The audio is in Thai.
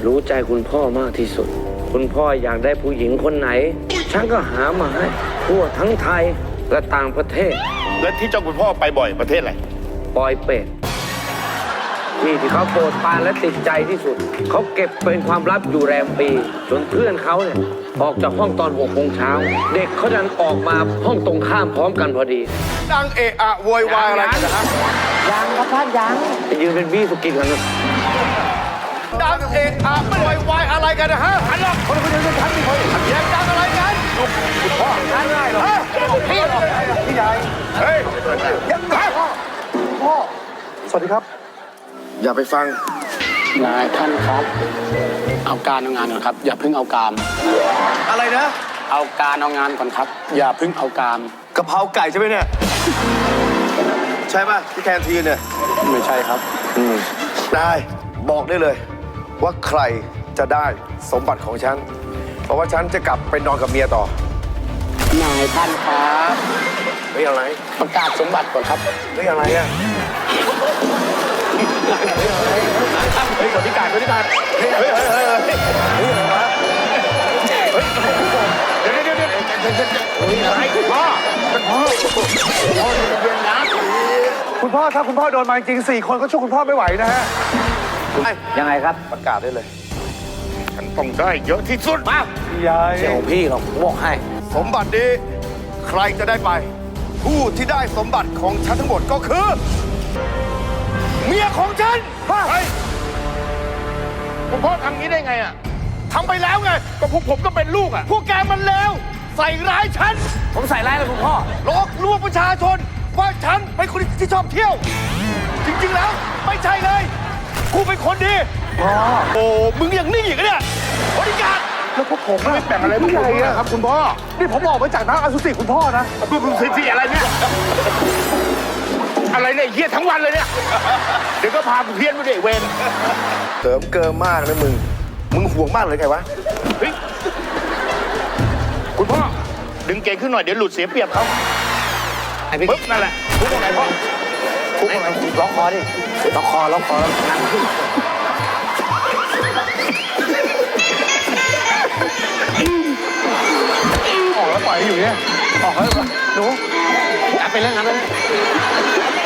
รู้ใจคุณพ่อมากที่สุด คุณพ่ออยากได้ผู้หญิงคนไหน ฉันก็หามาให้ทั่วทั้งไทยและต่างประเทศและที่เจ้าคุณพ่อไปบ่อยประเทศอะไรปอยเป็ดที่เขาโปรดปรานและติดใจที่สุด เขาเก็บเป็นความลับอยู่แรมปีจนเพื่อนเขาเนี่ยออกจากห้องตอน6 โมงเช้าเด็กเขาดันออกมาห้องตรงข้ามพร้อมกันพอดีดังเอะอะโวยวายอะไรกันนะฮะยังครับท่านยังไปยืนเป็นบี้สุกินกันนะดังเอะอะโวยวายอะไรกันนะฮะอันนั้นคนคนเดียวกันทั้งที่คนแย่งดังอะไรกันคุณพ่อท่านได้หรอพี่หรอพี่ใหญ่เฮ้ยยังไงพ่อสวัสดีครับอย่าไปฟังนายท่านครับ เอาการเอางานก่อนครับ อย่าเพิ่งเอากามอะไรนะเอาการเอางานก่อนครับ อย่าเพิ่งเอากามกะเพราไก่ใช่ไหมเนี่ยใช่ป่ะที่แคนทีนเนี่ยไม่ใช่ครับได้บอกได้เลย ว่าใครจะได้สมบัติของฉันเพราะว่าฉันจะกลับไปนอนกับเมียต่อนายท่านครับเฮ้ยอะไรประกาศสมบัติก่อนครับเฮ้ยอะไรอ่ะเฮ้ยคนที่การเฮ้ยเฮ้ยเฮ้ยเฮ้ยเฮ้ยอะไรวะเฮ้ยเดี๋ยวอะไรพ่อเป็นพ่อเย็นนะคุณพ่อถ้าคุณพ่อโดนมาจริง4 คนก็ช่วยคุณพ่อไม่ไหวนะฮะยังไงครับประกาศได้เลยฉันต้องได้เยอะที่สุดมายายเจ้าพี่เขาบอกให้สมบัตินี้ใครจะได้ไป ผู้ที่ได้สมบัติของฉันทั้งหมดก็คือ เมียของฉันเฮ้ยคุณพ่อทำงี้ได้ไงอ่ะทำไปแล้วไงก็พวกผมก็เป็นลูกอ่ะพวกแกมันเลวใส่ร้ายฉันผมใส่ร้ายแล้วคุณพ่อหลอกลวงประชาชนว่าฉันเป็นคนที่ชอบเที่ยว จริงๆแล้วไม่ใช่เลยกูเป็นคนดีโอ้มึงยังนิ่งอีกเนี่ยบริการแล้วพวกผมไม่แบ่งอะไรพวกผมนะครับคุณพ่อ นี่ผมออกมาจากน้ำอสุจิคุณพ่อนะมึงสิอะไรเนี่ยอะไรเนี่ยเฮี้ยทั้งวันเลยเนี่ยเดี๋ยวก็พากูเพี้ยนไปเด็กเวรเสริมเกินมากนะมึงห่วงมากเลยไงวะเฮ้ยคุณพ่อดึงเก่งขึ้นหน่อยเดี๋ยวหลุดเสียเปรียบเขาไอ้พี่ปึ๊บนั่นแหละคุกอะไรพ่อคุกอะไรล็อกคอดิล็อกคอแล้วนั่งขึ้นออกแล้วปล่อยให้อยู่เนี่ย ออกแล้วหนูจับไปเรื่องนั้นเลย